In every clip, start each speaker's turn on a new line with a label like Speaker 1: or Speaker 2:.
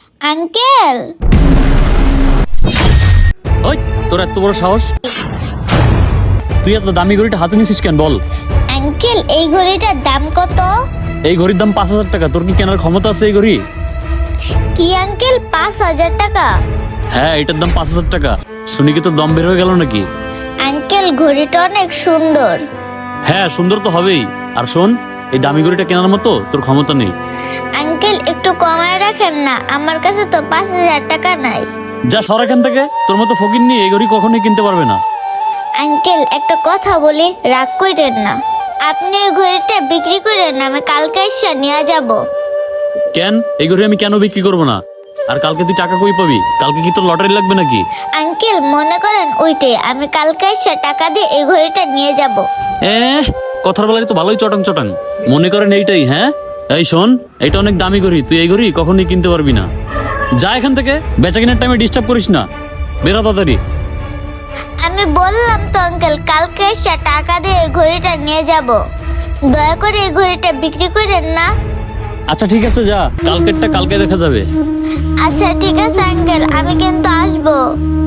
Speaker 1: Uncle,
Speaker 2: ওই তোর এত বড় সাহস, তুই এত দামি ঘড়িটা হাতে নিছিস কেন বল?
Speaker 1: আঙ্কেল এই ঘড়িটার দাম কত?
Speaker 2: এই ঘড়ির দাম 5,000 টাকা। তোর কি কেনার ক্ষমতা আছে এই ঘড়ি?
Speaker 1: কি আঙ্কেল, 5,000 টাকা?
Speaker 2: হ্যাঁ, এটার দাম 5,000 টাকা। শুনি কি তোর দম বের হয়ে গেল নাকি?
Speaker 1: আঙ্কেল ঘড়িটা অনেক সুন্দর।
Speaker 2: হ্যাঁ, সুন্দর তো হবেই। আর শোন, এই দামি ঘড়িটা কেনার মতো তোর ক্ষমতা নেই।
Speaker 1: আঙ্কেল একটু কমায় রাখেন না, আমার কাছে তো 5,000 টাকা নাই।
Speaker 2: যা সর এখান থেকে, তোর মতো ফকির নিয়ে এই ঘড়ি কখনোই কিনতে পারবে না।
Speaker 1: আঙ্কেল একটা কথা বলি, রাগ কইরেন না। আপনি এই ঘড়িটা বিক্রি করেন না, আমি কালকে এসে নিয়ে যাব।
Speaker 2: কেন? এই ঘড়ি আমি কেন বিক্রি করবো না? আর কালকে তুই টাকা কই পাবি? কালকে কি তোর লটারি লাগবে নাকি?
Speaker 1: আঙ্কেল মনে করেন ওইটাই, আমি কালকে এসে টাকা দিয়ে এই ঘড়িটা নিয়ে যাব।
Speaker 2: কথার বেলায় তো ভালোই চটাং চটাং। মনে করেন এইটাই? হ্যাঁ, এই শোন, এটা অনেক দামি ঘড়ি, তুই এই ঘড়ি কখনোই কিনতে পারবি না। যা এখান থেকে, বেচা কেনার টাইমে ডিস্টার্ব করিস না। বেরো তাড়াতাড়ি।
Speaker 1: আমি বললাম তো আঙ্কেল, কালকে এসে টাকা দিয়ে এই ঘড়িটা নিয়ে যাব। দয়া করে এই ঘড়িটা বিক্রি করেন না।
Speaker 2: আচ্ছা ঠিক আছে, যা, কালকেরটা কালকে দেখা যাবে।
Speaker 1: আচ্ছা ঠিক আছে আঙ্কেল, আমি কিন্তু আসবো।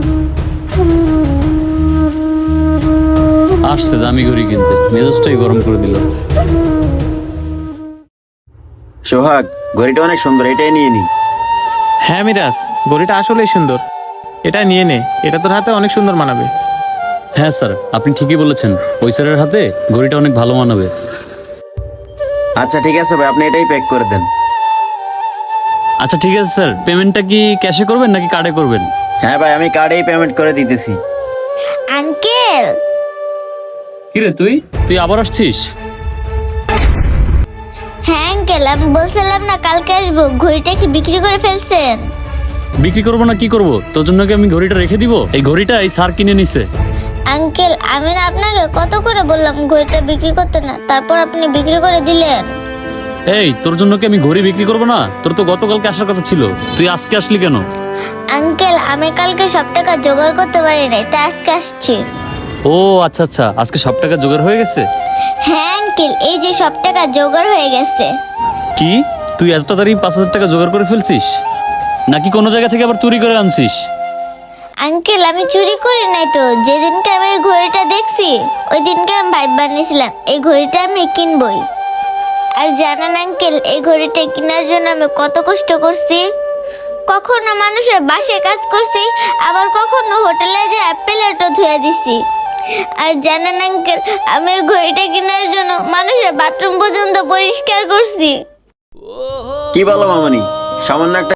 Speaker 2: আসছে দামি ঘড়ি কিনতে, মেজাজটাই গরম করে দিল।
Speaker 3: সোহাগ, ঘড়িটা অনেক সুন্দর, এটাই নিয়ে নি।
Speaker 4: হ্যাঁ মিরাজ, ঘড়িটা আসলেই সুন্দর, এটা নিয়ে নে, এটা তোর হাতে অনেক সুন্দর মানাবে।
Speaker 2: হ্যাঁ স্যার, আপনি ঠিকই বলেছেন, ওই স্যারের হাতে ঘড়িটা অনেক ভালো মানাবে।
Speaker 3: আচ্ছা ঠিক আছে ভাই, আপনি এটাই প্যাক করে দেন।
Speaker 2: আচ্ছা ঠিক আছে স্যার, পেমেন্টটা কি ক্যাশে করবেন নাকি কার্ডে করবেন?
Speaker 3: হ্যাঁ ভাই, আমি কার্ডেই পেমেন্ট করে দিতেছি।
Speaker 1: আঙ্কেল,
Speaker 2: কিরে তুই তুই আবার আসছিস?
Speaker 1: হ্যাঁ আঙ্কেল, আমি বলছিলাম না কালকে আসবো, ঘড়িটা কি বিক্রি করে ফেলছেন?
Speaker 2: বিক্রি করবো না কি করব? তোর জন্য কি আমি ঘড়িটা রেখে দিব? এই ঘড়িটা এই স্যার কিনে নিছে।
Speaker 1: আঙ্কেল আমি না আপনাকে কত করে বললাম ঘড়িটা বিক্রি করতে না, তারপর আপনি বিক্রি করে দিলেন।
Speaker 2: এই, তোর জন্য কি আমি ঘড়ি বিক্রি করবো না? তোর তো গতকালকে আসার কথা ছিল, তুই আজকে আসলি কেন?
Speaker 1: আঙ্কেল আমি কালকে সব টাকা জোগাড় করতে পারি নাই, তাই আজকে আসছি।
Speaker 2: ও আচ্ছা আচ্ছা, আজকে সব টাকা জোগাড় হয়ে গেছে?
Speaker 1: হ্যাঁ আঙ্কেল, এই যে সব টাকা জোগাড় হয়ে গেছে।
Speaker 2: কি, তুই এত তাড়াতাড়ি 5,000 টাকা জোগাড় করে ফেলছিস? নাকি কোনো জায়গা থেকে আবার চুরি করে আনছিস?
Speaker 1: আঙ্কেল আমি চুরি করি নাই তো, যেদিনকে আমি এই ঘড়িটা দেখছি ওই দিনকে আমি ভাইব বানিয়েছিলাম এই ঘড়িটা আমি কিনবই। আর জানেন আঙ্কেল, এই ঘড়িটা কেনার জন্য আমি কত কষ্ট করছি। কখনো মানুষের বাসায় কাজ করছি, আবার কখনো হোটেলে যেয়ে প্লেটও ধুয়ে দিছি। আর জানেন আঙ্কেল, আমি এই ঘড়িটা কেনার জন্য মানুষের বাথরুম পর্যন্ত পরিষ্কার করছি।
Speaker 3: কি বলো মামনি, সামান্য একটা